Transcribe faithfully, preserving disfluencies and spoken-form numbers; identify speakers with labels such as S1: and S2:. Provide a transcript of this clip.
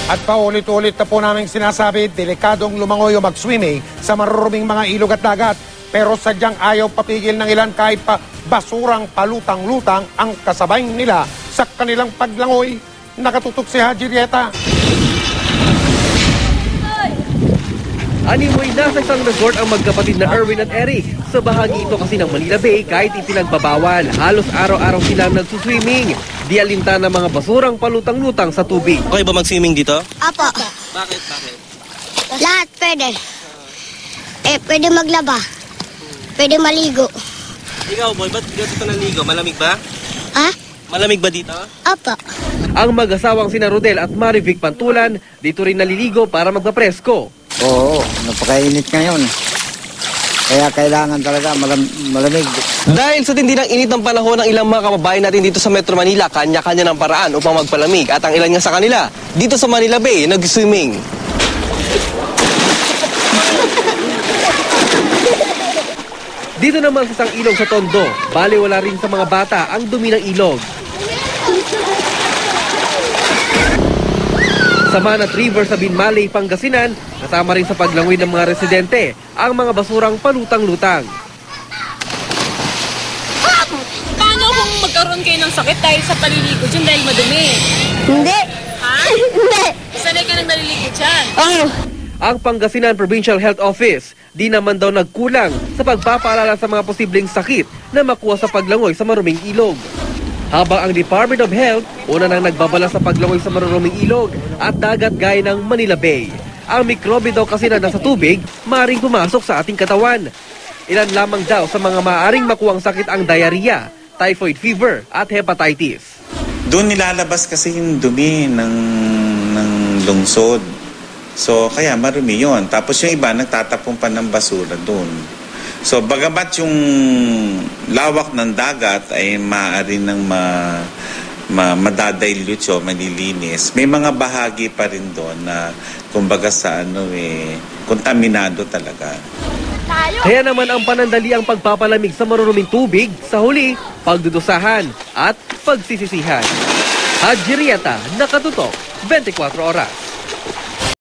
S1: At paulit-ulit na po naming sinasabi, delikadong lumangoy o mag-swimming sa maruruming mga ilog at dagat. Pero sadyang ayaw papigil ng ilan kahit pa basurang palutang-lutang ang kasabay nila sa kanilang paglangoy. Nakatutok si Haji Rieta.
S2: Animoy nasa isang resort ang magkapatid na Erwin at Eric. Sa bahagi ito kasi ng Manila Bay kahit ipinagbabawal, halos araw-araw silang nagsuswimming. Di alinta ng mga basurang palutang-lutang sa tubig.
S3: Okay ba mag-swimming dito?
S4: Apo.
S3: Bakit? Bakit?
S4: Lahat pwede. Eh, pwede maglaba. Pwede maligo.
S3: Ikaw boy, ba't dito naligo? Malamig ba?
S4: Ha?
S3: Malamig ba dito?
S4: Apo.
S2: Ang mag-asawang sina Rodel at Marivic Pantulan dito rin naliligo para magpapresko.
S5: Oo, napakainit ngayon. Kaya kailangan talaga malam malamig.
S3: Dahil sa tindi ng init ng panahon ng ilang mga kababayan natin dito sa Metro Manila, kanya-kanya ng paraan upang magpalamig. At ang ilan nga sa kanila, dito sa Manila Bay, nag-swimming.
S2: Dito naman sa isang ilog sa Tondo, bali wala rin sa mga bata ang dumi ng ilog. Sa Manat River sa Binmaley, Pangasinan, kasama rin sa paglangoy ng mga residente ang mga basurang palutang-lutang.
S6: Paano kung magkaroon kayo ng sakit dahil sa paliligo dyan dahil madumi?
S4: Hindi.
S6: Ha?
S4: Hindi.
S6: Sanay ka nang naliligo dyan?
S4: Oo.
S2: Ang Pangasinan Provincial Health Office di naman daw nagkulang sa pagpapaalala sa mga posibleng sakit na makuha sa paglangoy sa maruming ilog. Habang ang Department of Health una nang nagbabala sa paglangoy sa maruruming ilog at dagat gaya ng Manila Bay. Ang mikrobe daw kasi na nasa tubig maaaring pumasok sa ating katawan. Ilan lamang daw sa mga maaaring makuhang sakit ang diarrhea, typhoid fever at hepatitis.
S7: Doon nilalabas kasi yung dumi ng, ng lungsod. So kaya marumi yun. Tapos yung iba nagtatapon pa ng basura doon. So bagamat yung lawak ng dagat ay maaari ng ma, ma, madadilute o malilinis, may mga bahagi pa rin doon na kumbaga sa ano eh, kontaminado talaga.
S2: Kaya naman ang panandali ang pagpapalamig sa maruruming tubig, sa huli, pagdudusahan at pagsisisihan. Haji Rieta, Nakatutok, twenty-four oras.